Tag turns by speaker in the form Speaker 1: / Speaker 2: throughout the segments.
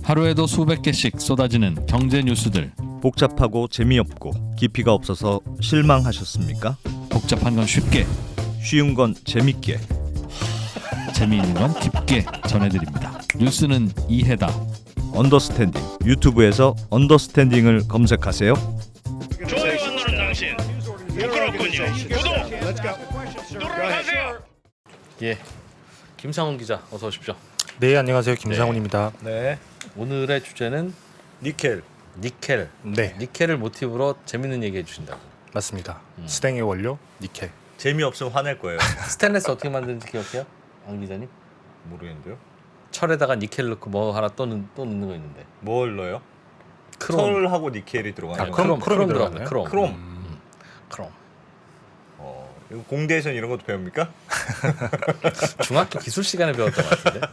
Speaker 1: 하루에도 수백 개씩 쏟아지는 경제 뉴스들.
Speaker 2: 복잡하고 재미없고 깊이가 없어서 실망하셨습니까?
Speaker 1: 복잡한 건 쉽게,
Speaker 2: 쉬운 건 재밌게.
Speaker 1: 재미있는 건 깊게 전해드립니다. 뉴스는 이해다.
Speaker 2: 언더스탠딩. 유튜브에서 언더스탠딩을 검색하세요.
Speaker 3: 좋아요 안 누른 당신 부끄럽군요. 구독 누르세요.
Speaker 4: 예, 김상훈 기자 어서 오십시오.
Speaker 5: 네, 안녕하세요. 김상훈입니다.
Speaker 4: 네, 오늘의 주제는
Speaker 2: 니켈.
Speaker 4: 니켈.
Speaker 5: 네,
Speaker 4: 니켈을 모티브로 재밌는 얘기 해주신다고.
Speaker 5: 맞습니다. 스탱의 원료 니켈.
Speaker 2: 재미없으면 화낼 거예요.
Speaker 4: 스테인레스 어떻게 만드는지 기억해요, 안 기자님?
Speaker 2: 모르겠는데요.
Speaker 4: 철에다가 니켈 넣고 뭐 하나 또 넣는 거 있는데.
Speaker 2: 뭘 넣어요?
Speaker 4: 크롬.
Speaker 2: 철하고 니켈이 들어가는
Speaker 4: 아니,
Speaker 2: 거예요.
Speaker 4: 크롬
Speaker 5: 들어가나요?
Speaker 4: 들어가요. 크롬.
Speaker 2: 크롬.
Speaker 4: 크롬.
Speaker 2: 이거 공대에서 이런 것도 배웁니까?
Speaker 4: 중학교 기술 시간에 배웠던 것 같은데.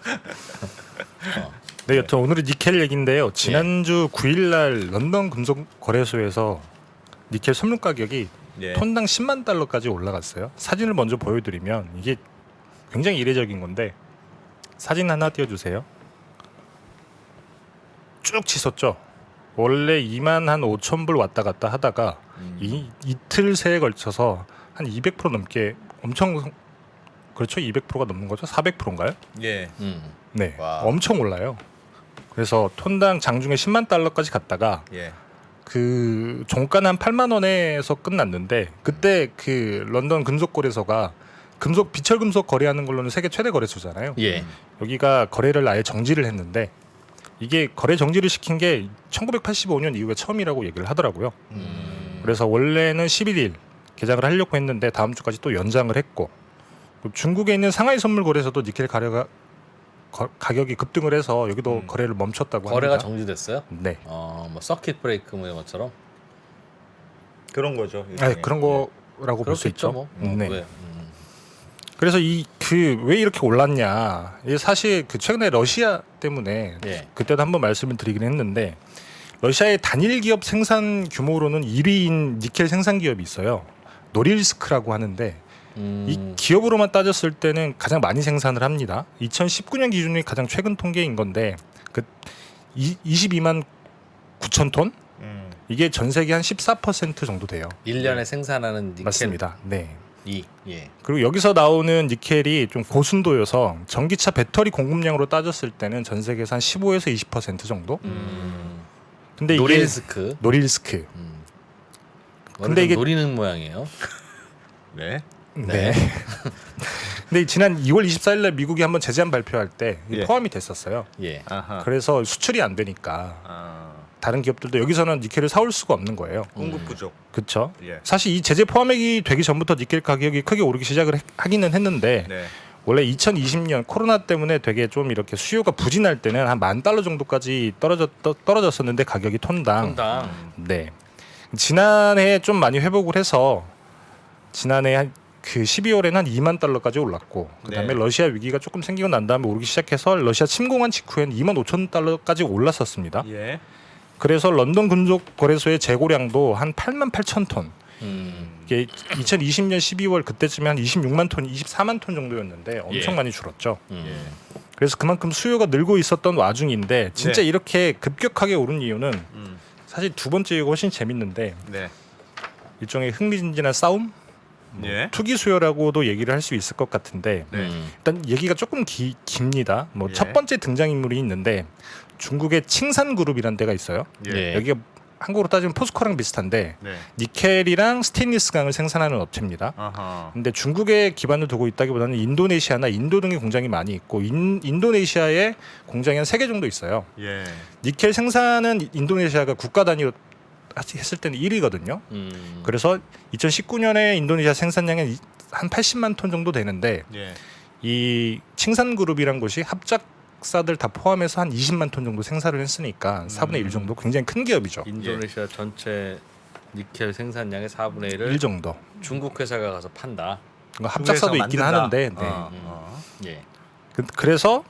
Speaker 5: 네, 여튼 오늘은 니켈 얘기인데요. 지난주 9일날 런던 금속 거래소에서 니켈 선물 가격이
Speaker 2: 예.
Speaker 5: 톤당 10만 달러까지 올라갔어요. 사진을 먼저 보여드리면 이게 굉장히 이례적인 건데 사진 하나 띄워주세요. 쭉 치솟죠. 원래 2만 한 5천 불 왔다 갔다 하다가 이틀 새에 걸쳐서 한 200% 넘게 엄청, 그렇죠? 200%가 넘는 거죠? 400%인가요?
Speaker 2: 예.
Speaker 5: 네,
Speaker 2: 와.
Speaker 5: 엄청 올라요. 그래서 톤당 장중에 10만 달러까지 갔다가
Speaker 2: 예.
Speaker 5: 그 종가는 한 8만 원에서 끝났는데 그때 그 런던 금속거래소가 금속 비철 금속 거래하는 걸로는 세계 최대 거래소잖아요.
Speaker 4: 예.
Speaker 5: 여기가 거래를 아예 정지를 했는데 이게 거래 정지를 시킨 게 1985년 이후에 처음이라고 얘기를 하더라고요. 그래서 원래는 11일 개장을 하려고 했는데 다음 주까지 또 연장을 했고, 중국에 있는 상하이 선물 거래소도 니켈 가격이 급등을 해서 여기도 거래를 멈췄다고
Speaker 4: 거래가
Speaker 5: 합니다.
Speaker 4: 정지됐어요?
Speaker 5: 네.
Speaker 4: 뭐 서킷 브레이크 뭐 이런 것처럼.
Speaker 2: 그런 거죠.
Speaker 5: 네, 그런 거라고 볼 수
Speaker 4: 그렇겠죠,
Speaker 5: 있죠.
Speaker 4: 뭐.
Speaker 5: 네.
Speaker 4: 왜?
Speaker 5: 그래서 왜 이렇게 올랐냐? 이게 사실 그 최근에 러시아 때문에
Speaker 4: 예.
Speaker 5: 그때도 한번 말씀을 드리긴 했는데 러시아의 단일 기업 생산 규모로는 1위인 니켈 생산 기업이 있어요. 노릴스크라고 하는데 이 기업으로만 따졌을 때는 가장 많이 생산을 합니다. 2019년 기준이 가장 최근 통계인 건데 그 22만 9천 톤? 이게 전 세계 한 14% 정도 돼요.
Speaker 4: 1년에 생산하는 니켈.
Speaker 5: 맞습니다. 네.
Speaker 4: 예.
Speaker 5: 그리고 여기서 나오는 니켈이 좀 고순도여서 전기차 배터리 공급량으로 따졌을 때는 전 세계에서 한 15에서 20% 정도. 근데
Speaker 4: 노릴스크.
Speaker 5: 노릴스크.
Speaker 4: 근데
Speaker 5: 이게-
Speaker 4: 노리는 모양이에요.
Speaker 2: 네.
Speaker 5: 네. 근데 지난 2월 24일날 미국이 한번 제재안 발표할 때
Speaker 2: 예.
Speaker 5: 포함이 됐었어요.
Speaker 4: 예.
Speaker 2: 아하.
Speaker 5: 그래서 수출이 안 되니까
Speaker 2: 아.
Speaker 5: 다른 기업들도 여기서는 니켈을 사올 수가 없는 거예요.
Speaker 2: 공급 부족.
Speaker 5: 그렇죠.
Speaker 2: 예.
Speaker 5: 사실 이 제재 포함이 되기 전부터 니켈 가격이 크게 오르기 시작을 하기는 했는데
Speaker 2: 네.
Speaker 5: 원래 2020년 코로나 때문에 되게 좀 이렇게 수요가 부진할 때는 한 $10,000 정도까지 떨어졌었는데 가격이 톤당. 네. 지난해 좀 많이 회복을 해서 지난해 한 그 12월에는 한 $20,000까지 올랐고 그다음에
Speaker 2: 네.
Speaker 5: 러시아 위기가 조금 생기고 난 다음에 오르기 시작해서 러시아 침공한 직후에는 $25,000까지 올랐었습니다.
Speaker 2: 예.
Speaker 5: 그래서 런던 금속 거래소의 재고량도 한 88,000톤. 이게 2020년 12월 그때쯤에 한 26만 톤, 24만 톤 정도였는데 엄청
Speaker 4: 예.
Speaker 5: 많이 줄었죠.
Speaker 2: 예.
Speaker 5: 그래서 그만큼 수요가 늘고 있었던 와중인데 진짜
Speaker 2: 네.
Speaker 5: 이렇게 급격하게 오른 이유는
Speaker 2: 음.
Speaker 5: 사실 두 번째 이유가 훨씬 재밌는데
Speaker 2: 네.
Speaker 5: 일종의 흥미진진한 싸움?
Speaker 2: 예.
Speaker 5: 투기 수요라고도 얘기를 할 수 있을 것 같은데
Speaker 2: 네.
Speaker 5: 일단 얘기가 조금 깁니다. 뭐
Speaker 2: 예.
Speaker 5: 첫 번째 등장인물이 있는데 중국의 칭산그룹이라는 데가 있어요.
Speaker 4: 예.
Speaker 5: 여기가 한국으로 따지면 포스코랑 비슷한데
Speaker 2: 네.
Speaker 5: 니켈이랑 스테인리스 강을 생산하는 업체입니다.
Speaker 2: 아하.
Speaker 5: 근데 중국에 기반을 두고 있다기보다는 인도네시아나 인도 등의 공장이 많이 있고 인도네시아에 공장이 한 3개 정도 있어요.
Speaker 2: 예.
Speaker 5: 니켈 생산은 인도네시아가 국가 단위로 했을 때는 1위거든요. 그래서 2019년에 인도네시아 생산량은 한 80만 톤 정도 되는데
Speaker 2: 예.
Speaker 5: 이 칭산그룹이란 곳이 합작사들 다 포함해서 한 20만 톤 정도 생산을 했으니까 4분의 1 정도 굉장히 큰 기업이죠.
Speaker 4: 인도네시아 전체 니켈 생산량의 4분의 1을
Speaker 5: 1 정도.
Speaker 4: 중국 회사가 가서 판다.
Speaker 5: 합작사도 있긴
Speaker 2: 만든다.
Speaker 5: 하는데 네.
Speaker 4: 예.
Speaker 5: 그래서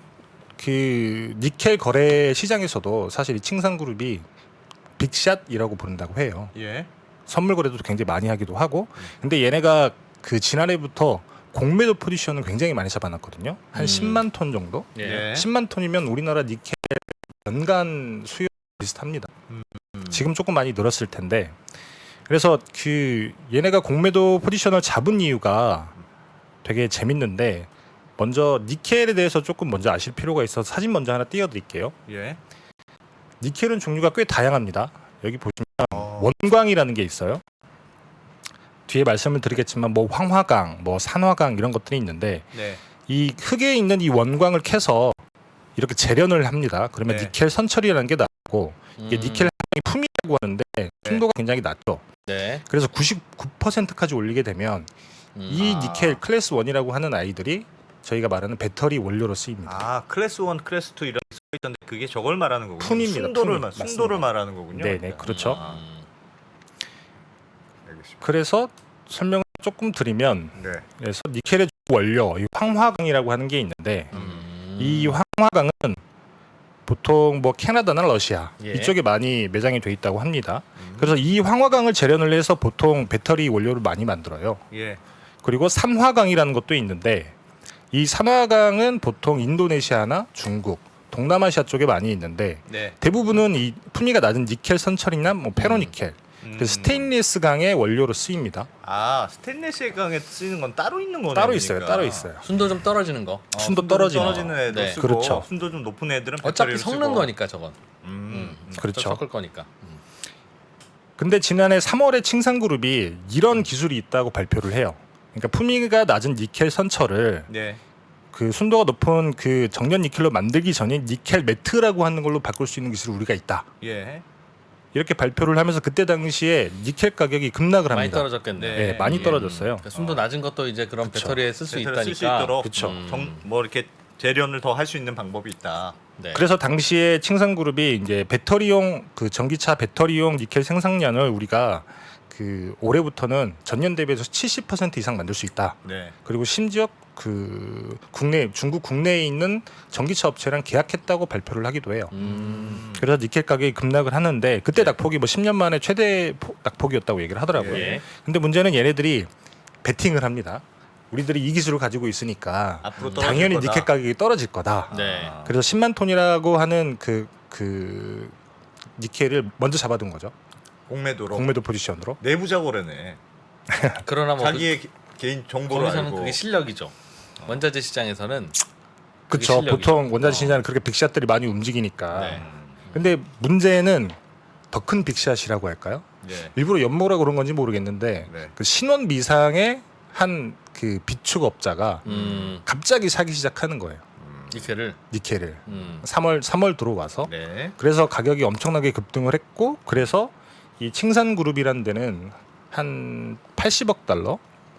Speaker 5: 그 니켈 거래 시장에서도 사실 이 칭산그룹이 빅샷이라고 부른다고 해요.
Speaker 2: 예.
Speaker 5: 선물 거래도 굉장히 많이 하기도 하고. 근데 얘네가 그 지난해부터 공매도 포지션을 굉장히 많이 잡아놨거든요. 한 10만 톤 정도.
Speaker 4: 예.
Speaker 5: 10만 톤이면 우리나라 니켈 연간 수요 비슷합니다. 지금 조금 많이 늘었을 텐데 그래서 그 얘네가 공매도 포지션을 잡은 이유가 되게 재밌는데 먼저 니켈에 대해서 조금 먼저 아실 필요가 있어서 사진 먼저 하나 띄워드릴게요.
Speaker 2: 예.
Speaker 5: 니켈은 종류가 꽤 다양합니다. 여기 보시면 원광이라는 게 있어요. 뒤에 말씀을 드리겠지만 뭐 황화강, 뭐 산화강 이런 것들이 있는데
Speaker 2: 네.
Speaker 5: 이 흙에 있는 이 원광을 캐서 이렇게 재련을 합니다. 그러면
Speaker 2: 네.
Speaker 5: 니켈 선처리라는 게 나오고 이게 니켈 함량이 품이라고 하는데 순도가 굉장히 낮죠.
Speaker 4: 네.
Speaker 5: 그래서 99%까지 올리게 되면 이 니켈 클래스 1이라고 하는 아이들이 저희가 말하는 배터리 원료로 쓰입니다.
Speaker 2: 아 클래스 1, 클래스 2 이런 게 있던데 그게 저걸 말하는 거군요.
Speaker 5: 푼입니다,
Speaker 2: 순도를
Speaker 5: 푼이.
Speaker 2: 순도를
Speaker 5: 맞습니다.
Speaker 2: 말하는 거군요.
Speaker 5: 네네 그렇죠.
Speaker 2: 알겠습니다.
Speaker 5: 그래서 설명을 조금 드리면
Speaker 2: 네.
Speaker 5: 그래서 니켈의 주 원료 이 황화강이라고 하는 게 있는데 이 황화강은 보통 뭐 캐나다나 러시아
Speaker 4: 예.
Speaker 5: 이쪽에 많이 매장이 돼 있다고 합니다. 그래서 이 황화강을 재련을 해서 보통 배터리 원료를 많이 만들어요.
Speaker 2: 예.
Speaker 5: 그리고 산화강이라는 것도 있는데 이 산화강은 보통 인도네시아나 중국, 동남아시아 쪽에 많이 있는데
Speaker 2: 네.
Speaker 5: 대부분은 이 품위가 낮은 니켈 선처리나 뭐 페로니켈, 그 스테인리스 강의 원료로 쓰입니다.
Speaker 2: 아 스테인리스 강에 쓰이는 건 따로 있는 거네요.
Speaker 5: 따로 있어요. 따로 있어요.
Speaker 4: 순도 좀 떨어지는 거.
Speaker 5: 순도
Speaker 2: 좀
Speaker 5: 떨어지는
Speaker 2: 떨어지는 애도
Speaker 4: 네.
Speaker 2: 쓰고
Speaker 5: 그렇죠.
Speaker 2: 순도 좀 높은 애들은
Speaker 4: 어차피
Speaker 2: 배터리를
Speaker 4: 섞는
Speaker 2: 쓰고.
Speaker 4: 거니까 저건.
Speaker 5: 그렇죠.
Speaker 4: 섞을 거니까.
Speaker 5: 근데 지난해 3월에 칭산그룹이 이런 기술이 있다고 발표를 해요. 그러니까 품위가 낮은 니켈 선처를
Speaker 2: 네.
Speaker 5: 그 순도가 높은 그 정년 니켈로 만들기 전에 니켈 매트라고 하는 걸로 바꿀 수 있는 기술이 우리가 있다.
Speaker 2: 예.
Speaker 5: 이렇게 발표를 하면서 그때 당시에 니켈 가격이 급락을
Speaker 4: 많이
Speaker 5: 합니다.
Speaker 4: 떨어졌겠네.
Speaker 5: 네, 많이
Speaker 2: 예.
Speaker 5: 떨어졌어요.
Speaker 4: 그러니까 순도 낮은 것도 이제 그런
Speaker 5: 그쵸.
Speaker 4: 배터리에 쓸 수
Speaker 2: 배터리를
Speaker 4: 있다니까.
Speaker 2: 쓸 수 있도록
Speaker 5: 그쵸.
Speaker 2: 뭐 이렇게 재련을 더 할 수 있는 방법이 있다.
Speaker 4: 네.
Speaker 5: 그래서 당시에 칭산그룹이 이제 배터리용 그 전기차 배터리용 니켈 생산량을 우리가 그 올해부터는 전년 대비해서 70% 이상 만들 수 있다.
Speaker 2: 네.
Speaker 5: 그리고 심지어 그 중국 국내에 있는 전기차 업체랑 계약했다고 발표를 하기도 해요. 그래서 니켈 가격이 급락을 하는데 그때 낙폭이 뭐 10년 만에 최대 낙폭이었다고 얘기를 하더라고요.
Speaker 4: 예.
Speaker 5: 근데 문제는 얘네들이 베팅을 합니다. 우리들이 이 기술을 가지고 있으니까
Speaker 2: 앞으로 떨어질
Speaker 5: 당연히
Speaker 2: 거다.
Speaker 5: 니켈 가격이 떨어질 거다.
Speaker 4: 네.
Speaker 5: 그래서 10만 톤이라고 하는 그 니켈을 먼저 잡아둔 거죠.
Speaker 2: 공매도로
Speaker 5: 공매도 포지션으로.
Speaker 2: 내부자 거래네.
Speaker 4: 그러나 뭐
Speaker 2: 자기의 개인 정보를
Speaker 4: 거기서는
Speaker 2: 알고.
Speaker 4: 그게 실력이죠. 원자재 시장에서는
Speaker 5: 그렇죠.
Speaker 4: 실력이죠.
Speaker 5: 보통 원자재 시장은 그렇게 빅샷들이 많이 움직이니까.
Speaker 4: 네.
Speaker 5: 근데 문제는 더 큰 빅샷이라고 할까요?
Speaker 2: 네.
Speaker 5: 일부러 연모라 그런 건지 모르겠는데
Speaker 2: 네.
Speaker 5: 그 신원 미상의 한 그 비축업자가 갑자기 사기 시작하는 거예요.
Speaker 4: 니켈을
Speaker 5: 니켈을 3월 들어와서.
Speaker 2: 네.
Speaker 5: 그래서 가격이 엄청나게 급등을 했고 그래서 이 칭산그룹이라는 데는 한 80억 달러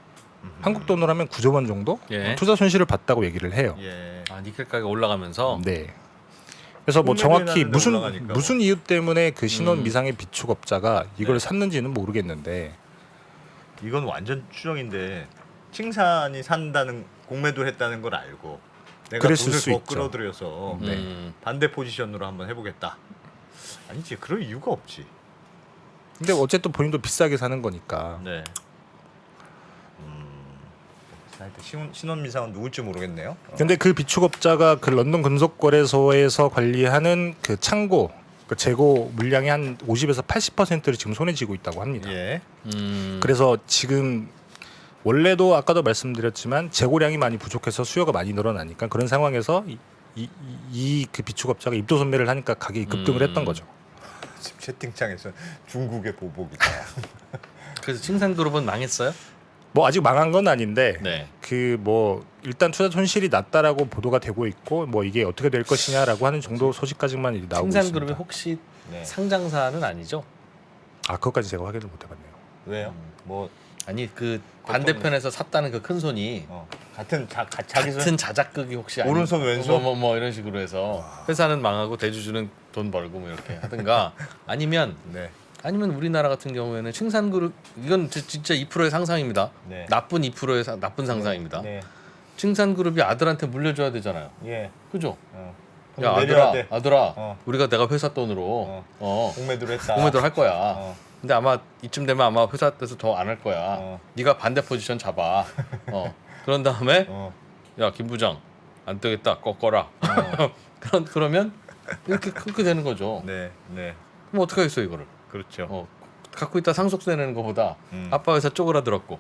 Speaker 5: 한국 돈으로 하면 9조 원 정도
Speaker 4: 예.
Speaker 5: 투자 손실을 봤다고 얘기를 해요.
Speaker 2: 예.
Speaker 4: 아 니켈 가격 올라가면서
Speaker 5: 네. 그래서 뭐
Speaker 2: 공매도에
Speaker 5: 정확히
Speaker 2: 나는데 올라가니까.
Speaker 5: 무슨 이유 때문에 그 신원 미상의 비축업자가 이걸
Speaker 2: 네.
Speaker 5: 샀는지는 모르겠는데
Speaker 2: 이건 완전 추정인데 칭산이 산다는 공매도를 했다는 걸 알고 내가
Speaker 5: 그랬을
Speaker 2: 돈을
Speaker 5: 수
Speaker 2: 더
Speaker 5: 있죠.
Speaker 2: 끌어들여서 반대 포지션으로 한번 해보겠다. 아니지 그럴 이유가 없지.
Speaker 5: 근데 어쨌든 본인도 비싸게 사는 거니까
Speaker 2: 네. 신원 미상은 누굴지 모르겠네요.
Speaker 5: 근데 그 비축업자가 그 런던 금속거래소에서 관리하는 그 창고 그 재고 물량의 한 50에서 80%를 지금 손에 쥐고 있다고 합니다.
Speaker 2: 예.
Speaker 5: 그래서 지금 원래도 아까도 말씀드렸지만 재고량이 많이 부족해서 수요가 많이 늘어나니까 그런 상황에서 이 그 비축업자가 입도선매를 하니까 가격이 급등을 했던 거죠.
Speaker 2: 지금 채팅창에서 중국의 보복이다.
Speaker 4: 그래서 칭산그룹은 망했어요?
Speaker 5: 뭐 아직 망한 건 아닌데
Speaker 4: 네.
Speaker 5: 그 뭐 일단 투자 손실이 났다라고 보도가 되고 있고 뭐 이게 어떻게 될 것이냐라고 하는 정도 소식까지만 이제 나오고
Speaker 4: 칭산그룹이
Speaker 5: 있습니다.
Speaker 4: 혹시
Speaker 2: 네.
Speaker 4: 상장사는 아니죠?
Speaker 5: 아 그것까지 제가 확인을 못 해봤네요.
Speaker 2: 왜요? 뭐
Speaker 4: 아니 그 반대편에서 샀다는 그 큰 손이
Speaker 2: 같은 자기 손
Speaker 4: 같은 자작극이 혹시
Speaker 2: 오른손, 왼손?
Speaker 4: 뭐 이런 식으로 해서 회사는 망하고 대주주는 돈 벌고 뭐 이렇게 하든가 아니면
Speaker 2: 네.
Speaker 4: 우리나라 같은 경우에는 칭산그룹 이건 진짜 2%의 상상입니다.
Speaker 2: 네.
Speaker 4: 나쁜 2%의 나쁜 상상입니다.
Speaker 2: 네.
Speaker 4: 칭산그룹이 아들한테 물려줘야 되잖아요.
Speaker 2: 예.
Speaker 4: 그죠?
Speaker 2: 그럼
Speaker 4: 야
Speaker 2: 내려야
Speaker 4: 아들아,
Speaker 2: 돼.
Speaker 4: 아들아, 우리가 내가 회사 돈으로
Speaker 2: 공매도를 했다.
Speaker 4: 공매도를 할 거야. 근데 아마 이쯤 되면 아마 회사에서 더 안 할 거야. 네가 반대 포지션 잡아. 그런 다음에 야 김 부장 안 되겠다 꺾어라. 그러면 이렇게 그렇게 되는 거죠.
Speaker 2: 네, 네,
Speaker 4: 그럼 어떻게 하겠어 이거를?
Speaker 2: 그렇죠.
Speaker 4: 갖고 있다 상속세 내는 것보다 아빠 회사 쪼그라들었고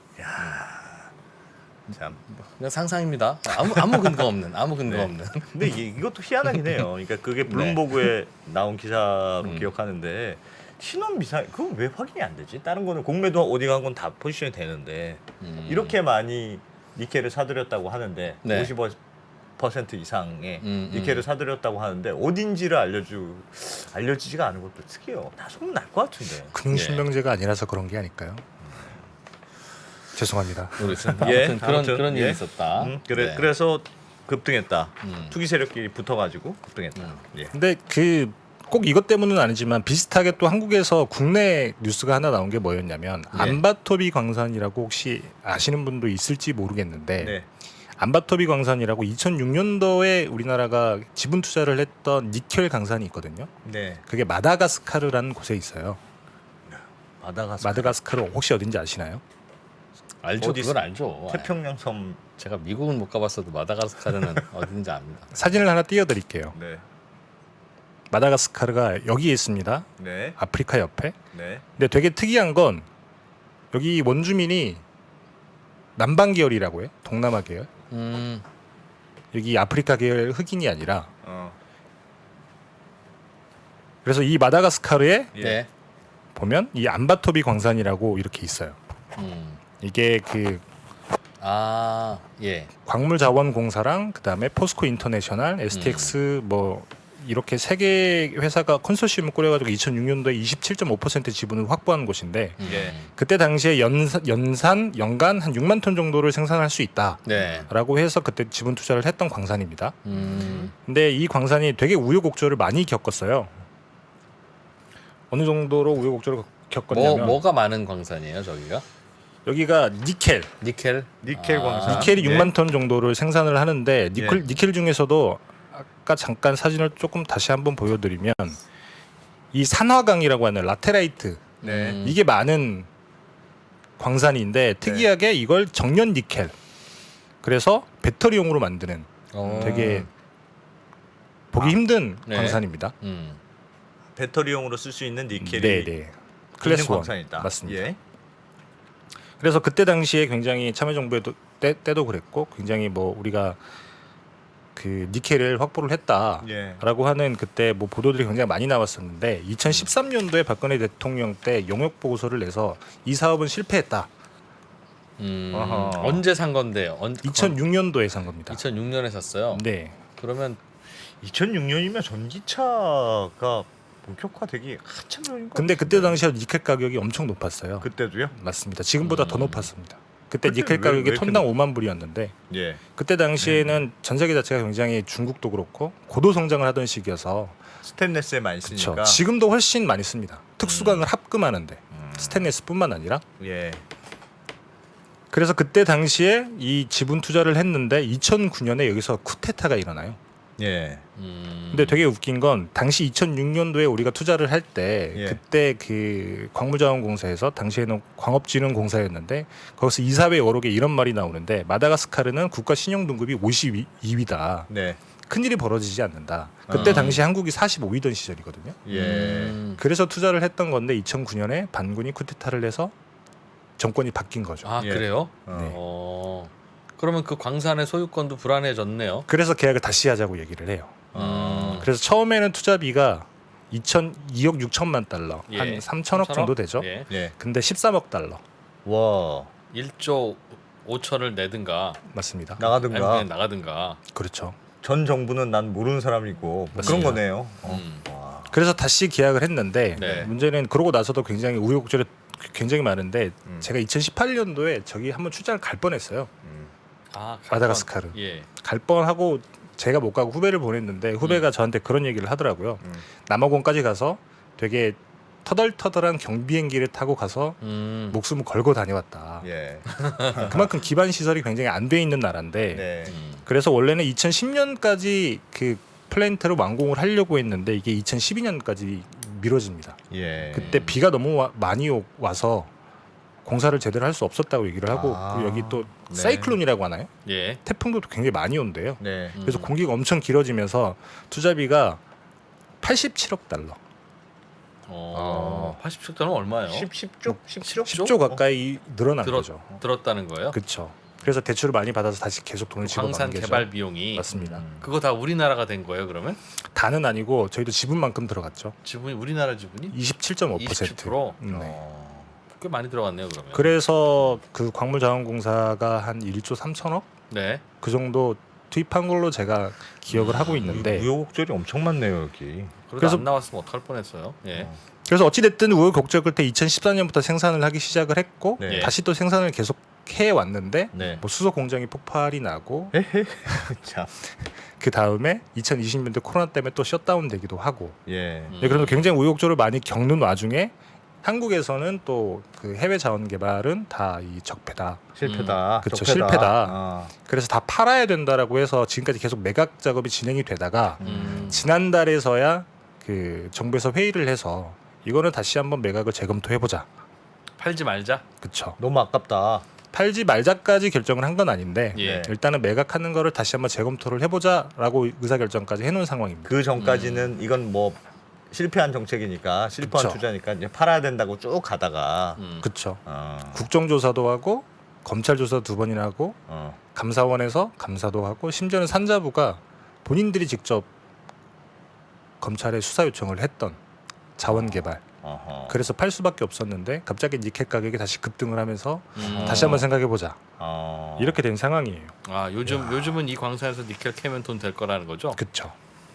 Speaker 2: 참.
Speaker 4: 그냥 상상입니다. 아무 근거 없는
Speaker 2: 네.
Speaker 4: 없는.
Speaker 2: 근데 이것도 희한하긴 해요. 그러니까 그게 블룸버그에 나온 기사로 기억하는데 신원 미상 그건 왜 확인이 안 되지? 다른 거는 공매도 어디 간 건 다 포지션이 되는데 이렇게 많이 니켈을 사들였다고 하는데
Speaker 4: 네.
Speaker 2: 50% 이상의 니켈을 사들였다고 하는데 어딘지를 알려지지가 않은 것도 특이해요. 다 소문 날 것 같은데.
Speaker 5: 금융실명제가 아니라서 그런 게 아닐까요? 죄송합니다.
Speaker 4: 모르겠어요.
Speaker 2: 예,
Speaker 4: 아무튼
Speaker 2: 아무튼,
Speaker 4: 그런
Speaker 2: 예.
Speaker 4: 일이 있었다. 네.
Speaker 2: 그래서 급등했다.
Speaker 4: 음.
Speaker 2: 투기 세력끼리 붙어가지고 급등했다. 예.
Speaker 5: 근데 그 꼭 이것 때문은 아니지만 비슷하게 또 한국에서 국내 뉴스가 하나 나온 게 뭐였냐면
Speaker 2: 네.
Speaker 5: 안바토비 광산이라고 혹시 아시는 분도 있을지 모르겠는데
Speaker 2: 네.
Speaker 5: 안바토비 광산이라고 2006년도에 우리나라가 지분 투자를 했던 니켈 강산이 있거든요.
Speaker 2: 네.
Speaker 5: 그게 마다가스카르라는 곳에 있어요. 마다가스카르 혹시 어딘지 아시나요?
Speaker 4: 알죠.
Speaker 2: 어디
Speaker 4: 그걸 알죠.
Speaker 2: 태평양 섬.
Speaker 4: 제가 미국은 못 가봤어도 마다가스카르는 어딘지 압니다.
Speaker 5: 사진을 하나 띄워드릴게요.
Speaker 2: 네.
Speaker 5: 마다가스카르가 여기에 있습니다.
Speaker 2: 네.
Speaker 5: 아프리카 옆에.
Speaker 2: 네.
Speaker 5: 근데 되게 특이한 건 여기 원주민이 남방 계열이라고 해요. 동남아 계열. 여기 아프리카 계열 흑인이 아니라. 그래서 이 마다가스카르에
Speaker 2: 예.
Speaker 4: 네.
Speaker 5: 보면 이 안바토비 광산이라고 이렇게 있어요. 이게 그
Speaker 4: 예.
Speaker 5: 광물자원공사랑 그다음에 포스코 인터내셔널, STX 뭐 이렇게 세 개 회사가 컨소시엄을 꾸려가지고 2006년도에 27.5% 지분을 확보한 곳인데
Speaker 2: 예.
Speaker 5: 그때 당시에 연간 한 6만 톤 정도를 생산할 수 있다라고
Speaker 4: 네.
Speaker 5: 해서 그때 지분 투자를 했던 광산입니다. 근데 이 광산이 되게 우여곡절을 많이 겪었어요. 어느 정도로 우여곡절을 겪었냐면
Speaker 4: 뭐가 많은 광산이에요, 저기가?
Speaker 5: 여기가 니켈
Speaker 4: 니켈
Speaker 2: 광산.
Speaker 5: 니켈이
Speaker 2: 네.
Speaker 5: 6만 톤 정도를 생산을 하는데 니켈 중에서도 아까 잠깐 사진을 조금 다시 한번 보여드리면 이 산화강이라고 하는 라테라이트
Speaker 2: 네.
Speaker 5: 이게 많은 광산인데 특이하게 이걸 정년 니켈 그래서 배터리용으로 만드는 되게 보기 힘든
Speaker 4: 네.
Speaker 5: 광산입니다.
Speaker 2: 배터리용으로 쓸 수 있는 니켈이
Speaker 5: 네네. 클래스 1
Speaker 2: 광산이다.
Speaker 5: 맞습니다.
Speaker 2: 예.
Speaker 5: 그래서 그때 당시에 굉장히 참여정부에도 때도 그랬고 굉장히 뭐 우리가 그 니켈을 확보를 했다라고
Speaker 2: 예.
Speaker 5: 하는 그때 뭐 보도들이 굉장히 많이 나왔었는데 2013년도에 박근혜 대통령 때 용역 보고서를 내서 이 사업은 실패했다.
Speaker 2: 아하.
Speaker 4: 언제 산 건데요?
Speaker 5: 2006년도에 산 겁니다.
Speaker 4: 2006년에 샀어요.
Speaker 5: 네.
Speaker 4: 그러면
Speaker 2: 2006년이면 전기차가 본격화되기 한참 전인 것
Speaker 5: 근데 그때
Speaker 2: 같은데.
Speaker 5: 당시에 니켈 가격이 엄청 높았어요.
Speaker 2: 그때도요?
Speaker 5: 맞습니다. 지금보다 더 높았습니다. 그때
Speaker 2: 그때
Speaker 5: 니켈
Speaker 2: 왜
Speaker 5: 가격이
Speaker 2: 이렇게
Speaker 5: 톤당 5만 불이었는데
Speaker 2: 예.
Speaker 5: 그때 당시에는 전 세계 자체가 굉장히 중국도 그렇고 고도 성장을 하던 시기여서
Speaker 2: 스테인레스에 많이
Speaker 5: 그렇죠.
Speaker 2: 쓰니까.
Speaker 5: 지금도 훨씬 많이 씁니다. 특수강을 합금하는데 스테인레스뿐만 아니라
Speaker 2: 예.
Speaker 5: 그래서 그때 당시에 이 지분 투자를 했는데 2009년에 여기서 쿠데타가 일어나요.
Speaker 2: 예.
Speaker 5: 근데 되게 웃긴 건 당시 2006년도에 우리가 투자를 할 때
Speaker 2: 예.
Speaker 5: 그때 그 광물자원공사에서 당시에는 광업진흥공사였는데 거기서 이사회 여러 개 이런 말이 나오는데 마다가스카르는 국가 신용 등급이 52위다.
Speaker 2: 네.
Speaker 5: 큰일이 벌어지지 않는다. 그때 당시 한국이 45위던 시절이거든요.
Speaker 2: 예.
Speaker 5: 그래서 투자를 했던 건데 2009년에 반군이 쿠데타를 해서 정권이 바뀐 거죠.
Speaker 4: 아
Speaker 2: 예.
Speaker 4: 그래요?
Speaker 5: 네.
Speaker 4: 그러면 그 광산의 소유권도 불안해졌네요.
Speaker 5: 그래서 계약을 다시 하자고 얘기를 해요. 그래서 처음에는 투자비가 2억 6천만 달러,
Speaker 4: 예.
Speaker 5: 한 3천억 정도 되죠.
Speaker 4: 예.
Speaker 2: 예.
Speaker 5: 근데 13억 달러
Speaker 2: 와.
Speaker 4: 1조 5천을 내든가
Speaker 5: 맞습니다.
Speaker 2: 나가든가.
Speaker 4: 아니면 그냥 나가든가.
Speaker 5: 그렇죠.
Speaker 2: 전 정부는 난 모르는 사람이고 뭐 그런
Speaker 5: 맞습니다.
Speaker 2: 거네요.
Speaker 4: 음.
Speaker 2: 와.
Speaker 5: 그래서 다시 계약을 했는데
Speaker 4: 네.
Speaker 5: 문제는 그러고 나서도 굉장히 우여곡절이 굉장히 많은데 제가 2018년도에 저기 한번 출장을 갈 뻔했어요. 마다가스카르.
Speaker 4: 예.
Speaker 5: 갈 뻔하고 제가 못 가고 후배를 보냈는데 후배가 저한테 그런 얘기를 하더라고요. 남아공까지 가서 되게 터덜터덜한 경비행기를 타고 가서 목숨을 걸고 다녀왔다.
Speaker 2: 예.
Speaker 5: 그만큼 기반 시설이 굉장히 안 돼 있는 나라인데
Speaker 2: 네.
Speaker 5: 그래서 원래는 2010년까지 그 플랜트를 완공을 하려고 했는데 이게 2012년까지 미뤄집니다.
Speaker 2: 예.
Speaker 5: 그때 비가 너무 많이 와서 공사를 제대로 할 수 없었다고 얘기를 하고
Speaker 2: 아,
Speaker 5: 그리고 여기 또
Speaker 2: 네.
Speaker 5: 사이클론이라고 하나요?
Speaker 4: 예.
Speaker 5: 태풍도 굉장히 많이 온대요.
Speaker 2: 네.
Speaker 5: 그래서 공기가 엄청 길어지면서 투자비가 87억 달러.
Speaker 4: 87억 달러 얼마예요?
Speaker 2: 10조? 17억?
Speaker 5: 10조 가까이 늘어난 거죠.
Speaker 4: 들었다는 거예요?
Speaker 5: 그렇죠. 그래서 대출을 많이 받아서 다시 계속 돈을
Speaker 4: 광산
Speaker 5: 집어넣는 게죠.
Speaker 4: 개발 비용이
Speaker 5: 맞습니다.
Speaker 4: 그거 다 우리나라가 된 거예요, 그러면?
Speaker 5: 다는 아니고 저희도 지분만큼 들어갔죠.
Speaker 4: 지분이 우리나라 지분이
Speaker 5: 27.5%.
Speaker 4: 27%?
Speaker 5: 네.
Speaker 4: 꽤 많이 들어갔네요, 그러면.
Speaker 5: 그래서 그 광물자원공사가 한 1조 3천억
Speaker 4: 네.
Speaker 5: 그 정도 투입한 걸로 제가 기억을 하고 있는데
Speaker 2: 우여곡절이 엄청 많네요 여기.
Speaker 4: 그래서 안 나왔으면 어떡할 뻔했어요. 예.
Speaker 5: 그래서 어찌 됐든 우여곡절 끝에 2014년부터 생산을 하기 시작을 했고
Speaker 2: 네.
Speaker 5: 다시 또 생산을 계속 해 왔는데
Speaker 2: 네.
Speaker 5: 뭐 수소 공장이 폭발이 나고
Speaker 2: 참.
Speaker 5: 그 다음에 2020년대 코로나 때문에 또 셧다운 되기도 하고
Speaker 2: 예.
Speaker 5: 네, 그래서 굉장히 우여곡절을 많이 겪는 와중에 한국에서는 또 그 해외 자원 개발은 다 이 적폐다.
Speaker 2: 실패다.
Speaker 5: 그쵸,
Speaker 2: 적폐다.
Speaker 5: 실패다.
Speaker 2: 아.
Speaker 5: 그래서 다 팔아야 된다라고 해서 지금까지 계속 매각 작업이 진행이 되다가
Speaker 4: 음.
Speaker 5: 지난달에서야 그 정부에서 회의를 해서 이거는 다시 한번 매각을 재검토해 보자.
Speaker 4: 팔지 말자.
Speaker 5: 그렇죠.
Speaker 2: 너무 아깝다.
Speaker 5: 팔지 말자까지 결정을 한 건 아닌데
Speaker 4: 예.
Speaker 5: 일단은 매각하는 거를 다시 한번 재검토를 해보자라고 의사결정까지 해놓은 상황입니다.
Speaker 2: 그 전까지는 이건 뭐 실패한 정책이니까 실패한
Speaker 5: 그쵸.
Speaker 2: 투자니까 이제 팔아야 된다고 쭉 가다가
Speaker 5: 그렇죠.
Speaker 2: 어,
Speaker 5: 국정조사도 하고 검찰 조사 2번이나 하고
Speaker 2: 어.
Speaker 5: 감사원에서 감사도 하고 심지어는 산자부가 본인들이 직접 검찰에 수사 요청을 했던 자원 개발.
Speaker 2: 어허.
Speaker 5: 그래서 팔 수밖에 없었는데 갑자기 니켈 가격이 다시 급등을 하면서
Speaker 4: 음.
Speaker 5: 다시 한번 생각해 보자.
Speaker 2: 어.
Speaker 5: 이렇게 된 상황이에요.
Speaker 4: 아, 요즘은 이 광산에서 니켈 캐면 돈 될 거라는 거죠?
Speaker 5: 그렇죠.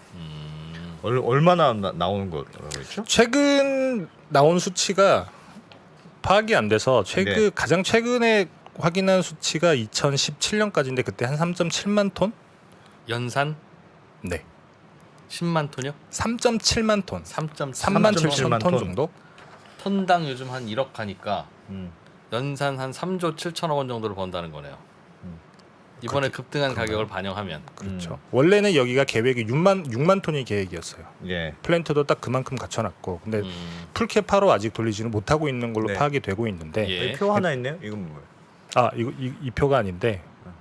Speaker 2: 얼마나 나오는 거라고 했죠?
Speaker 5: 최근 나온 수치가 파악이 안 돼서
Speaker 2: 네.
Speaker 5: 가장 최근에 확인한 수치가 2017년까지인데 그때 한 3.7만 톤?
Speaker 4: 연산
Speaker 5: 네.
Speaker 4: 10만 톤이요?
Speaker 5: 3.7만 톤.
Speaker 4: 3.3만
Speaker 5: 3만 7천
Speaker 2: 7만
Speaker 5: 톤
Speaker 2: 톤.
Speaker 5: 정도?
Speaker 4: 톤당 요즘 한 1억 하니까
Speaker 2: 음.
Speaker 4: 연산 한 3조 7천억 원 정도를 번다는 거네요. 이번에 급등한 가격을 반영하면
Speaker 5: 그렇죠. 원래는 여기가 계획이 6만 톤이 계획이었어요.
Speaker 2: 예.
Speaker 5: 플랜트도 딱 그만큼 갖춰놨고 근데
Speaker 4: 음.
Speaker 5: 풀캐파로 아직 돌리지는 못하고 있는 걸로
Speaker 2: 네.
Speaker 5: 파악이 되고 있는데
Speaker 4: 예.
Speaker 2: 표 하나 있네요. 이건 뭐예요?
Speaker 5: 아 이거 이 표가 아닌데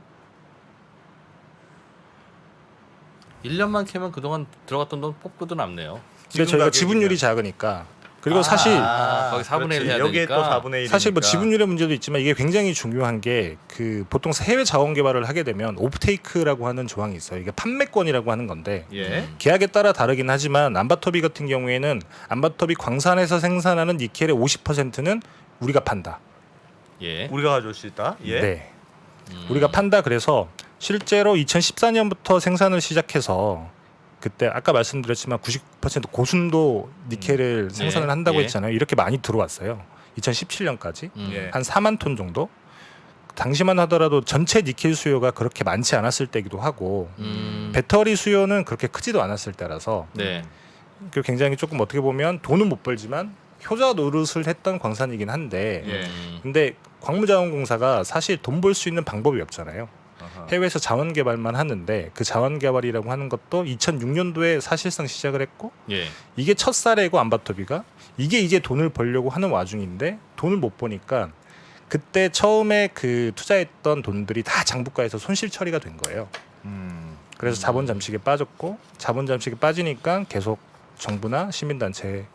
Speaker 4: 1년만 캐면 그동안 들어갔던 돈 뽑고도 남네요.
Speaker 5: 근데 저희가
Speaker 2: 가격이면.
Speaker 5: 지분율이 작으니까 그리고 사실
Speaker 4: 거기 4분의 1 해야
Speaker 2: 여기에
Speaker 4: 되니까.
Speaker 2: 또 4분의 1.
Speaker 5: 사실 뭐 지분율의 문제도 있지만 이게 굉장히 중요한 게 그 보통 해외 자원 개발을 하게 되면 오프테이크라고 하는 조항이 있어요. 이게 판매권이라고 하는 건데
Speaker 2: 예.
Speaker 5: 계약에 따라 다르긴 하지만 암바토비 같은 경우에는 암바토비 광산에서 생산하는 니켈의 50%는 우리가 판다.
Speaker 4: 예.
Speaker 2: 우리가 가져올 수 있다. 예.
Speaker 5: 네. 우리가 판다. 그래서 실제로 2014년부터 생산을 시작해서 그때 아까 말씀드렸지만 90% 고순도 니켈을 생산을 한다고
Speaker 4: 예.
Speaker 5: 했잖아요. 이렇게 많이 들어왔어요. 2017년까지
Speaker 2: 예.
Speaker 5: 한 4만 톤 정도. 당시만 하더라도 전체 니켈 수요가 그렇게 많지 않았을 때기도 하고 배터리 수요는 그렇게 크지도 않았을 때라서
Speaker 4: 네.
Speaker 5: 그 굉장히 조금 어떻게 보면 돈은 못 벌지만 효자 노릇을 했던 광산이긴 한데
Speaker 2: 예.
Speaker 5: 근데 광무자원공사가 사실 돈 벌 수 있는 방법이 없잖아요.
Speaker 2: 아하.
Speaker 5: 해외에서 자원 개발만 하는데 그 자원 개발이라고 하는 것도 2006년도에 사실상 시작을 했고
Speaker 4: 예.
Speaker 5: 이게 첫 사례고 암바토비가 이게 이제 돈을 벌려고 하는 와중인데 돈을 못 버니까 그때 처음에 그 투자했던 돈들이 다 장부가에서 손실 처리가 된 거예요. 그래서 자본 잠식에 빠졌고 자본 잠식에 빠지니까 계속 정부나 시민단체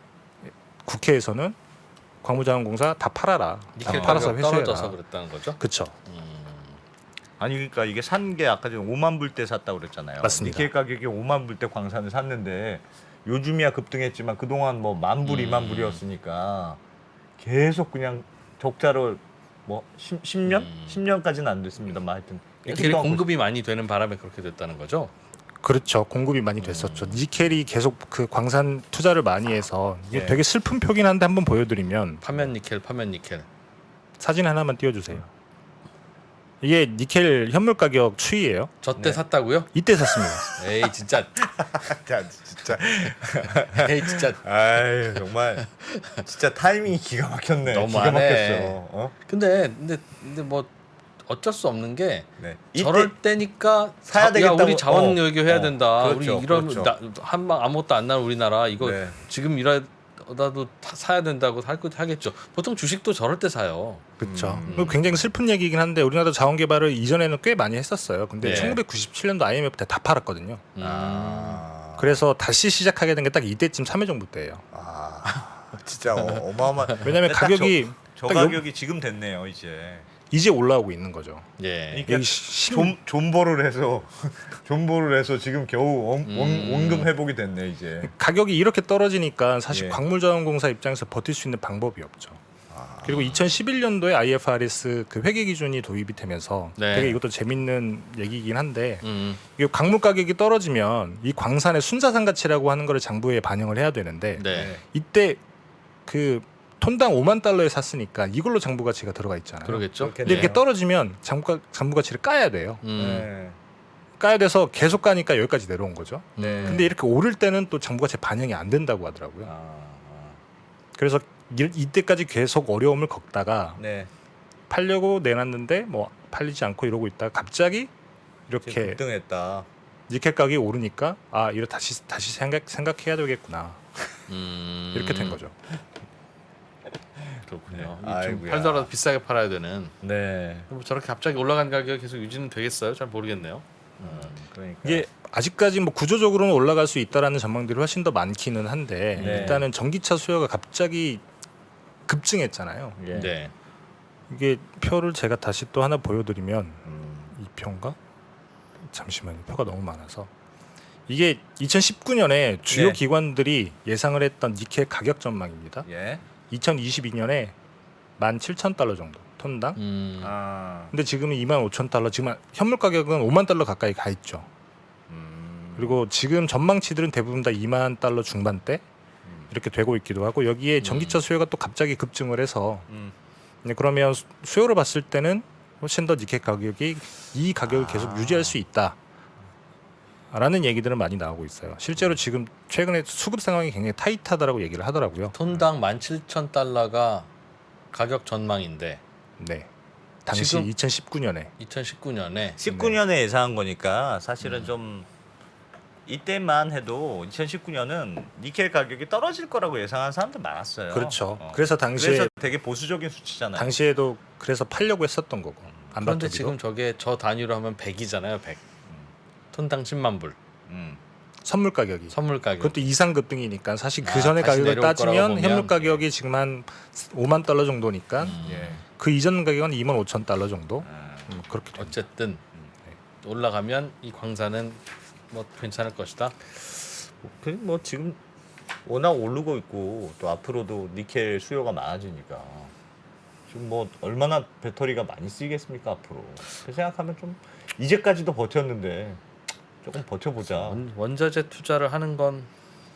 Speaker 5: 국회에서는 광무자원공사 다 팔아라.
Speaker 4: 니켈
Speaker 5: 다 팔아서
Speaker 4: 가격 떨어져서
Speaker 5: 회수해라.
Speaker 4: 그랬다는 거죠?
Speaker 5: 그렇죠.
Speaker 2: 아니 그러니까 이게 산 게 아까 전에 5만 불 때 샀다고 그랬잖아요.
Speaker 5: 맞습니다.
Speaker 2: 니켈 가격이 5만 불 때 광산을 샀는데 요즘이야 급등했지만 그동안 뭐 10,000불, 2만 불이었으니까 계속 그냥 적자를 뭐 10년? 10년까지는 안 됐습니다만 하여튼
Speaker 4: 니켈이 공급이 많이 되는 바람에 그렇게 됐다는 거죠?
Speaker 5: 그렇죠. 공급이 많이 됐었죠. 니켈이 계속 그 광산 투자를 많이 해서 이게
Speaker 2: 예.
Speaker 5: 되게 슬픈 표긴 한데 한번 보여드리면
Speaker 4: 파면 니켈, 파면 니켈.
Speaker 5: 사진 하나만 띄워주세요. 이게 니켈 현물 가격 추이예요.
Speaker 4: 저 때 샀다고요?
Speaker 5: 이때 샀습니다.
Speaker 4: 에이 진짜.
Speaker 2: 진짜
Speaker 4: 에이 진짜.
Speaker 2: 아유 정말 진짜 타이밍이 기가 막혔네.
Speaker 4: 너무하네.
Speaker 2: 기가 막혔어. 어?
Speaker 4: 근데 뭐 어쩔 수 없는 게
Speaker 2: 네.
Speaker 4: 저럴 때니까
Speaker 2: 사야 되겠다고.
Speaker 4: 우리 자원 여기 해야 된다.
Speaker 2: 그렇죠,
Speaker 4: 우리 이런
Speaker 2: 그렇죠.
Speaker 4: 한방 아무것도 안 나는 우리나라 이거
Speaker 2: 네.
Speaker 4: 지금 이러다도 사야 된다고 하겠죠. 보통 주식도 저럴 때 사요.
Speaker 5: 그렇죠. 굉장히 슬픈 얘기긴 한데 우리나라 자원 개발을 이전에는 꽤 많이 했었어요. 근데
Speaker 4: 네.
Speaker 5: 1997년도 IMF 때 다 팔았거든요.
Speaker 2: 아.
Speaker 5: 그래서 다시 시작하게 된 게 딱 이때쯤 참여정부 때예요.
Speaker 2: 진짜 어마어마.
Speaker 5: 왜냐하면 가격이
Speaker 2: 저
Speaker 5: 딱
Speaker 2: 가격이 지금 됐네요 이제.
Speaker 5: 이제 올라오고 있는 거죠.
Speaker 4: 예.
Speaker 2: 그러니까
Speaker 5: 여기
Speaker 2: 존버를 해서 존버를 해서 지금 겨우 원금 회복이 됐네 이제.
Speaker 5: 가격이 이렇게 떨어지니까 사실
Speaker 2: 예.
Speaker 5: 광물자원공사 입장에서 버틸 수 있는 방법이 없죠. 그리고 2011년도에 IFRS 그 회계 기준이 도입이 되면서
Speaker 4: 네.
Speaker 5: 되게 이것도 재밌는 얘기이긴 한데 이게 광물 가격이 떨어지면 이 광산의 순자산 가치라고 하는 거를 장부에 반영을 해야 되는데
Speaker 4: 네.
Speaker 5: 이때 그 톤당 5만 달러에 샀으니까 이걸로 장부 가치가 들어가 있잖아요.
Speaker 4: 그러겠죠.
Speaker 2: 그렇겠네요.
Speaker 5: 근데 이렇게 떨어지면 장부 가치를 까야 돼요.
Speaker 2: 네.
Speaker 5: 까야 돼서 계속 까니까 여기까지 내려온 거죠.
Speaker 2: 네.
Speaker 5: 근데 이렇게 오를 때는 또 장부 가치 반영이 안 된다고 하더라고요. 그래서 이때까지 계속 어려움을 겪다가
Speaker 2: 네.
Speaker 5: 팔려고 내놨는데 뭐 팔리지 않고 이러고 있다가 갑자기
Speaker 2: 지금
Speaker 5: 이렇게
Speaker 2: 급등했다.
Speaker 5: 니켈 가격이 오르니까 아 이거 다시 생각해야 되겠구나 이렇게 된 거죠.
Speaker 4: 그렇군요.
Speaker 2: 네.
Speaker 4: 좀
Speaker 2: 아이고야.
Speaker 4: 팔더라도 비싸게 팔아야 되는.
Speaker 2: 네.
Speaker 4: 뭐 저렇게 갑자기 올라간 가격이 계속 유지는 되겠어요? 잘 모르겠네요.
Speaker 2: 그러니까.
Speaker 5: 이게 아직까지 뭐 구조적으로는 올라갈 수 있다라는 전망들이 훨씬 더 많기는 한데
Speaker 2: 네.
Speaker 5: 일단은 전기차 수요가 갑자기 급증했잖아요.
Speaker 2: 예.
Speaker 4: 네.
Speaker 5: 이게 표를 제가 다시 또 하나 보여드리면
Speaker 2: 음.
Speaker 5: 이 표인가? 잠시만요. 표가 너무 많아서 이게 2019년에 주요
Speaker 2: 네.
Speaker 5: 기관들이 예상을 했던 니켈 가격 전망입니다.
Speaker 2: 예.
Speaker 5: 2022년에 17,000달러 정도 톤당.
Speaker 2: 아.
Speaker 5: 근데 지금은 25,000달러. 지금 현물 가격은 5만 달러 가까이 가 있죠. 그리고 지금 전망치들은 대부분 다 2만 달러 중반대 이렇게 되고 있기도 하고 여기에 전기차 수요가 또 갑자기 급증을 해서 네, 그러면 수요를 봤을 때는 훨씬 더 니켈 가격이 이 가격을 계속 유지할 수 있다. 라는 얘기들은 많이 나오고 있어요. 실제로 지금 최근에 수급 상황이 굉장히 타이트하다라고 얘기를 하더라고요.
Speaker 4: 톤당 17,000달러가 가격 전망인데
Speaker 5: 네. 당시
Speaker 4: 지금
Speaker 5: 2019년에
Speaker 4: 2019년에
Speaker 2: 19년에 예상한 거니까 사실은 좀 이때만 해도 2019년은 니켈 가격이 떨어질 거라고 예상한 사람들 많았어요.
Speaker 5: 그렇죠. 그래서 당시에
Speaker 2: 그래서 되게 보수적인 수치잖아요.
Speaker 5: 당시에도 그래서 팔려고 했었던 거고.
Speaker 4: 그런데
Speaker 5: 안바토비도.
Speaker 4: 지금 저게 저 단위로 하면 100이잖아요. 100. 톤당 10만 불.
Speaker 5: 선물 가격이.
Speaker 4: 선물 가격.
Speaker 5: 그것도 이상 급등이니까 사실 그
Speaker 4: 아,
Speaker 5: 전에
Speaker 4: 다시
Speaker 5: 가격을
Speaker 4: 내려올 거라고
Speaker 5: 따지면
Speaker 4: 보면.
Speaker 5: 현물 가격이 지금 한 5만 달러 정도니까
Speaker 2: 예.
Speaker 5: 그 이전 가격은 2만 5천 달러 정도. 그렇게 됩니다.
Speaker 4: 어쨌든 올라가면 이 광산은 뭐 괜찮을 것이다.
Speaker 2: 뭐 지금 워낙 오르고 있고 또 앞으로도 니켈 수요가 많아지니까 지금 뭐 얼마나 배터리가 많이 쓰이겠습니까 앞으로. 그 생각하면 좀 이제까지도 버텼는데 조금 버텨보자.
Speaker 4: 원자재 투자를 하는 건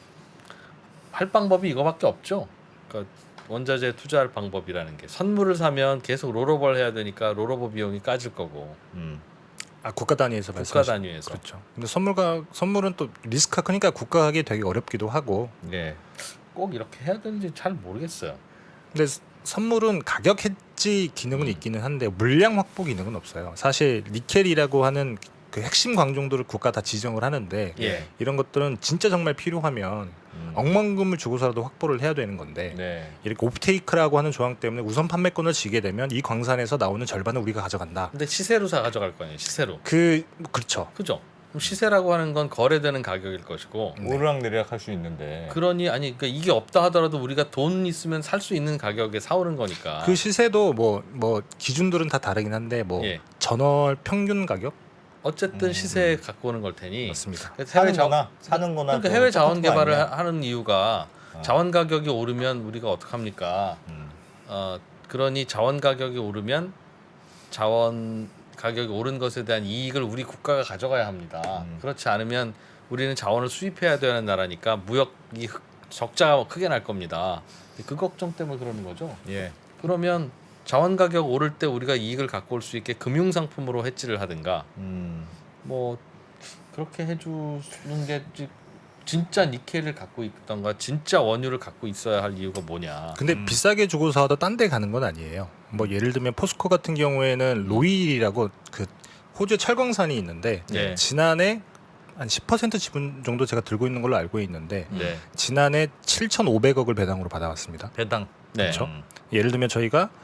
Speaker 4: 할 방법이 이거밖에 없죠. 그러니까 원자재 투자할 방법이라는 게 선물을 사면 계속 롤오버를 해야 되니까 롤오버 비용이 까질 거고.
Speaker 5: 아 국가 단위에서
Speaker 4: 국가
Speaker 5: 말씀하신
Speaker 4: 단위에서.
Speaker 5: 그렇죠. 근데 선물은 또 리스크가 크니까 국가 하기 되게 어렵기도 하고.
Speaker 2: 예.
Speaker 4: 꼭 이렇게 해야 되는지 잘 모르겠어요.
Speaker 5: 근데 선물은 가격 해지 기능은 있기는 한데 물량 확보 기능은 없어요. 사실 니켈이라고 하는 그 핵심 광종들을 국가 다 지정을 하는데
Speaker 4: 예.
Speaker 5: 이런 것들은 진짜 정말 필요하면 억만금을 주고서라도 확보를 해야 되는 건데
Speaker 4: 네.
Speaker 5: 이렇게 옵테이크라고 하는 조항 때문에 우선 판매권을 지게 되면 이 광산에서 나오는 절반은 우리가 가져간다.
Speaker 4: 근데 시세로 사 가져갈 거 아니에요. 시세로.
Speaker 5: 그렇죠.
Speaker 4: 그죠? 그럼 시세라고 하는 건 거래되는 가격일 것이고.
Speaker 2: 오르락 내리락 할 수 있는데.
Speaker 4: 그러니 아니 그러니까 이게 없다 하더라도 우리가 돈 있으면 살 수 있는 가격에 사오는 거니까.
Speaker 5: 그 시세도 뭐 기준들은 다 다르긴 한데 뭐
Speaker 4: 예.
Speaker 5: 전월 평균 가격
Speaker 4: 어쨌든 시세에 갖고 오는 걸 테니.
Speaker 5: 맞습니다.
Speaker 4: 해외
Speaker 2: 사는 거나
Speaker 4: 그러니까
Speaker 2: 또
Speaker 4: 해외 자원
Speaker 2: 똑같은 거
Speaker 4: 개발을
Speaker 2: 아니냐?
Speaker 4: 하는 이유가 자원 가격이 오르면 우리가 어떻게 합니까? 그러니 자원 가격이 오르면 자원 가격이 오른 것에 대한 이익을 우리 국가가 가져가야 합니다. 그렇지 않으면 우리는 자원을 수입해야 되는 나라니까 무역이 적자가 크게 날 겁니다. 그 걱정 때문에 그러는 거죠.
Speaker 2: 예.
Speaker 4: 그러면 자원 가격 오를 때 우리가 이익을 갖고 올 수 있게 금융 상품으로 해지를 하든가 뭐 그렇게 해주는 게 진짜 니켈을 갖고 있던가 진짜 원유를 갖고 있어야 할 이유가 뭐냐.
Speaker 5: 근데 비싸게 주고 사도 딴 데 가는 건 아니에요. 뭐 예를 들면 포스코 같은 경우에는 로일이라고 그 호주의 철광산이 있는데
Speaker 4: 네.
Speaker 5: 지난해 한 10% 지분 정도 제가 들고 있는 걸로 알고 있는데
Speaker 4: 네.
Speaker 5: 지난해 7,500억을 배당으로 받아왔습니다.
Speaker 2: 배당.
Speaker 4: 네.
Speaker 5: 그렇죠? 예를 들면 저희가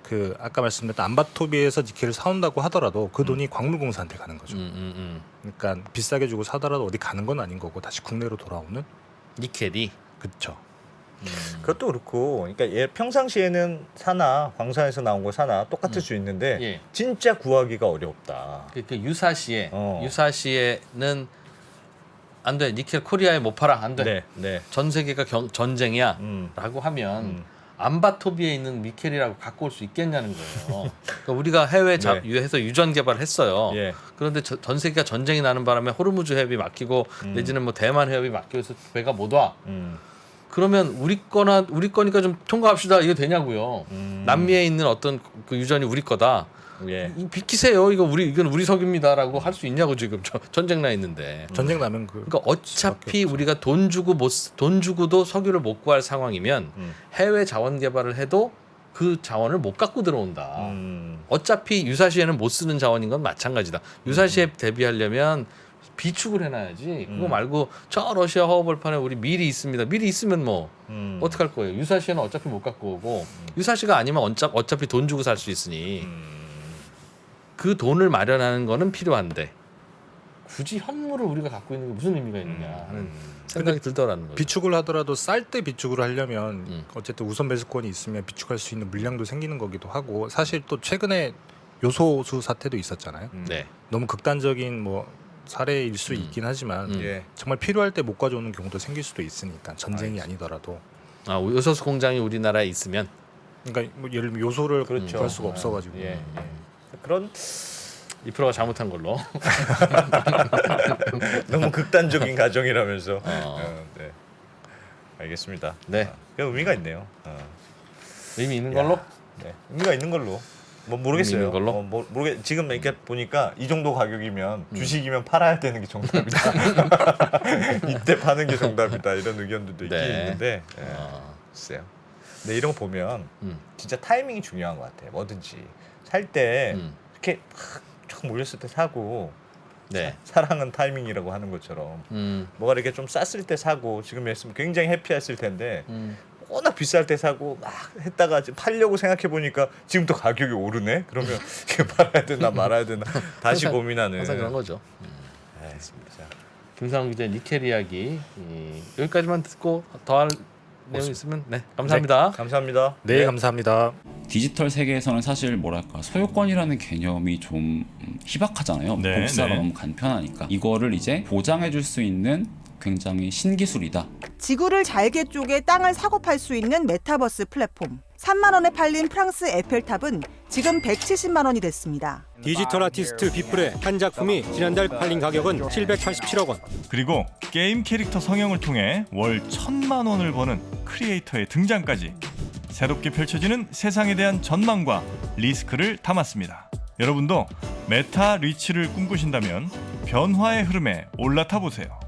Speaker 5: 그 아까 말씀드렸던 안바토비에서 니켈을 사온다고 하더라도 그 돈이 광물공사한테 가는 거죠. 그러니까 비싸게 주고 사더라도 어디 가는 건 아닌 거고 다시 국내로 돌아오는.
Speaker 4: 니켈이.
Speaker 5: 그렇죠.
Speaker 2: 그것도 그렇고, 그러니까 얘 평상시에는 사나 광산에서 나온 거 사나 똑같을 수 있는데
Speaker 4: 예.
Speaker 2: 진짜 구하기가 어렵다.
Speaker 4: 그 유사시에
Speaker 2: 어.
Speaker 4: 유사시에는 안 돼. 니켈 코리아에 못 팔아. 안 돼.
Speaker 2: 네, 네.
Speaker 4: 전 세계가 전쟁이야.
Speaker 2: 음.
Speaker 4: 라고 하면 안바토비에 있는 니켈이라고 갖고 올 수 있겠냐는 거예요. 그러니까 우리가 해외 해서 유전 개발을 했어요.
Speaker 2: 예.
Speaker 4: 그런데 전 세계가 전쟁이 나는 바람에 호르무즈 해협이 막히고 내지는 뭐 대만 해협이 막혀서 배가 못 와. 그러면 우리 거니까 좀 통과합시다. 이거 되냐고요. 남미에 있는 어떤 그 유전이 우리 거다.
Speaker 2: 예.
Speaker 4: 비키세요. 이건 우리 석유입니다라고 할 수 있냐고 지금 전쟁 나 있는데.
Speaker 5: 전쟁 나면
Speaker 4: 그러니까 어차피 우리가 돈 주고도 석유를 못 구할 상황이면 해외 자원 개발을 해도 그 자원을 못 갖고 들어온다. 어차피 유사시에는 못 쓰는 자원인 건 마찬가지다. 유사시에 대비하려면 비축을 해놔야지. 그거 말고 저 러시아 허허벌판에 우리 밀이 있습니다. 밀이 있으면 뭐 어떡할 거예요. 유사시에는 어차피 못 갖고 오고 유사시가 아니면 어차피 돈 주고 살 수 있으니 그 돈을 마련하는 거는 필요한데 굳이 현물을 우리가 갖고 있는 게 무슨 의미가 있느냐 하는 생각이 들더라는 거죠.
Speaker 5: 비축을 하더라도 쌀 때 비축을 하려면 어쨌든 우선 배수권이 있으면 비축할 수 있는 물량도 생기는 거기도 하고 사실 또 최근에 요소수 사태도 있었잖아요.
Speaker 4: 네.
Speaker 5: 너무 극단적인 뭐 사례일 수 있긴 하지만
Speaker 2: 예.
Speaker 5: 정말 필요할 때 못 가져오는 경우도 생길 수도 있으니까 전쟁이 아니더라도
Speaker 4: 요소수 공장이 우리나라에 있으면
Speaker 5: 그러니까 뭐 예를 들면 요소를
Speaker 2: 그렇죠.
Speaker 5: 구할 수가 없어가지고
Speaker 2: 예. 그런
Speaker 4: 2%가 잘못한 걸로.
Speaker 2: 너무 극단적인 가정이라면서. 네. 알겠습니다.
Speaker 4: 네.
Speaker 2: 그 의미가 있네요.
Speaker 4: 의미 있는 걸로?
Speaker 2: 네. 의미가 있는 걸로. 뭐 모르겠어요.
Speaker 4: 의미 있는 걸로?
Speaker 2: 지금 이렇게 보니까 이 정도 가격이면 주식이면 팔아야 되는 게 정답이다. 이때 파는 게 정답이다. 이런 의견들도 있긴
Speaker 4: 네.
Speaker 2: 있는데. 글쎄요. 근데 이런 거 보면 진짜 타이밍이 중요한 것 같아요. 뭐든지 살 때 이렇게 쫙 몰렸을 때 사고.
Speaker 4: 네.
Speaker 2: 사랑은 타이밍이라고 하는 것처럼 뭐가 이렇게 좀 쌌을 때 사고 지금이었으면 굉장히 해피했을 텐데 워낙 비쌀 때 사고 막 했다가 팔려고 생각해 보니까 지금 또 가격이 오르네. 그러면 이게 팔아야 되나 말아야 되나 다시 고민하는.
Speaker 4: 항상 그런 거죠.
Speaker 2: 알겠습니다.
Speaker 4: 김상훈 기자 니켈 이야기 여기까지만 듣고 더할 내용 있으면 네 감사합니다.
Speaker 2: 네, 감사합니다.
Speaker 5: 네, 감사합니다.
Speaker 6: 디지털 세계에서는 사실 뭐랄까 소유권이라는 개념이 좀 희박하잖아요.
Speaker 1: 네,
Speaker 6: 복사가
Speaker 1: 네.
Speaker 6: 너무 간편하니까 이거를 이제 보장해줄 수 있는 굉장히 신기술이다.
Speaker 7: 지구를 잘게 쪼개 땅을 사고 팔 수 있는 메타버스 플랫폼. 3만 원에 팔린 프랑스 에펠탑은 지금 170만 원이 됐습니다.
Speaker 8: 디지털 아티스트 비플의 한 작품이 지난달 팔린 가격은 787억 원.
Speaker 9: 그리고 게임 캐릭터 성형을 통해 월 1,000만 원을 버는 크리에이터의 등장까지 새롭게 펼쳐지는 세상에 대한 전망과 리스크를 담았습니다. 여러분도 메타 리치를 꿈꾸신다면 변화의 흐름에 올라타 보세요.